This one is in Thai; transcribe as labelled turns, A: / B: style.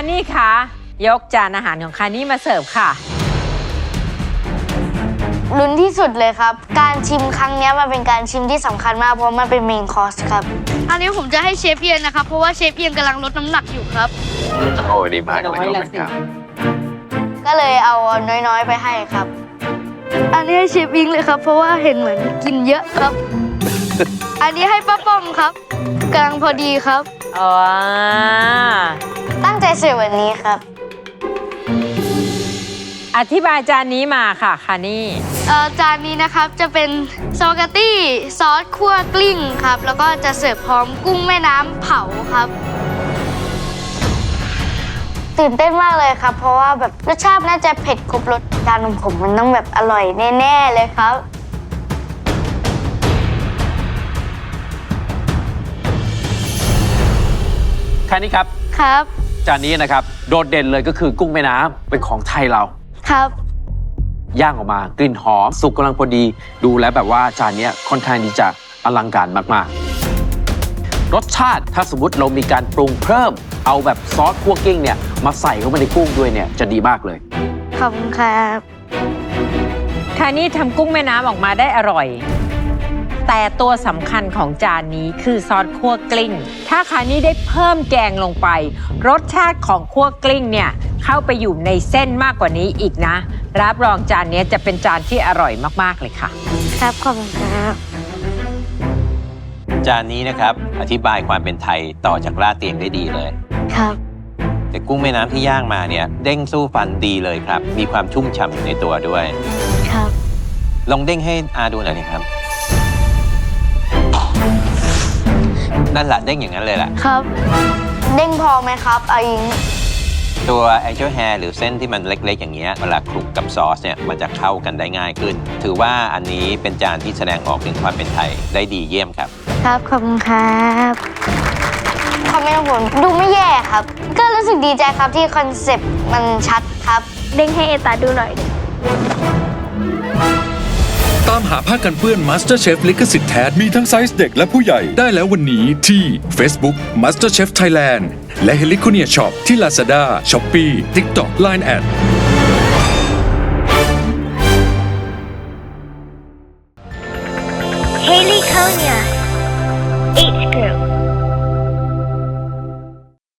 A: นี่คะยกจานอาหารของคานี่มาเสิร์ฟค่ะ
B: ลุ้นที่สุดเลยครับ การชิมครั้งนี้มันเป็นการชิมที่สำคัญมากเพราะมันเป็นเมนคอร์สครับ
C: อันนี้ผมจะให้เชฟเอียนนะครับเพราะว่าเชฟเอียนกำลังลดน้ำหนักอยู่ครับ
D: โอ้ดีมากเลยครับ
B: ก็เลยเอาน้อยๆไปให้ครับ
C: อันนี้ให้เชฟอิงเลยครับเพราะว่าเห็นเหมือนกินเยอะครับ อันนี้ให้ป้าป้อมครับกำลังพอดีครับ
A: อ๋อ
B: ตั้งใจเสิร์ฟวันนี้ครับ
A: อธิบายจานนี้มาค่ะคานี่
C: จานนี้นะครับจะเป็นสปาเกตตี้ซอสคั่วกลิ้งครับแล้วก็จะเสิร์ฟพร้อมกุ้งแม่น้ำเผาครับ
B: ตื่นเต้นมากเลยครับเพราะว่าแบบรสชาติน่าจะเผ็ดครบรสจานของผมมันต้องแบบอร่อยแน่ๆเลยครับ
D: แค่นี้ครับ
C: ครับ
D: จานนี้นะครับโดดเด่นเลยก็คือกุ้งแม่น้ำเป็นของไทยเรา
C: ครับ
D: ย่างออกมากลิ่นหอมสุกกำลังพอดีดูแล้วแบบว่าจานนี้ค่อนข้างที่จะอลังการมากๆรสชาติถ้าสมมติเรามีการปรุงเพิ่มเอาแบบซอสคั่วกลิ้งเนี่ยมาใส่เข้าไปในกุ้งด้วยเนี่ยจะดีมากเลย
C: ขอบคุณครับ
A: คานี่ทำกุ้งแม่น้ำออกมาได้อร่อยแต่ตัวสำคัญของจานนี้คือซอสคั่วกลิ้งถ้าคานี่ได้เพิ่มแกงลงไปรสชาติของคั่วกลิ้งเนี่ยเข้าไปอยู่ในเส้นมากกว่านี้อีกนะรับรองจานนี้จะเป็นจานที่อร่อยมากๆเลยค่ะ
C: ครับขอบคุณครับ
E: จานนี้นะครับอธิบายความเป็นไทยต่อจากลาดเตียงได้ดีเลย
C: ครับ
E: แต่กุ้งแม่น้ำที่ย่างมาเนี่ยเด้งสู้ฟันดีเลยครับมีความชุ่มฉ่ำอยู่ในตัวด้วย
C: ครับ
E: ลองเด้งให้อาดูหน่อยนะครับนั่นแหละเด้งอย่างนั้นเลยแหละ
C: ครับ
B: เด้งพอไหมครับอาอิง
E: ตัว angel hair หรือเส้นที่มันเล็กๆอย่างเงี้ยเวลาคลุกกับซอสเนี่ยมันจะเข้ากันได้ง่ายขึ้นถือว่าอันนี้เป็นจานที่แสดงออกถึงความเป็นไทยได้ดีเยี่ยมครับ
C: ครับขอบคุณครับ
B: คอมเมนต์ของผมดูไม่แย่ครับก็รู้สึกดีใจครับที่คอนเซ็ปต์มันชัดครับ
C: เด้งให้เอตาดูหน่อย
F: ตามหาผ้ากันเปื้อน MasterChef ลิขสิทธิ์แท้มีทั้งไซส์เด็กและผู้ใหญ่ได้แล้ววันนี้ที่ Facebook MasterChef Thailand และ Heliconia Shop ที่ Lazada, Shopee, TikTok, Line@
G: Heliconia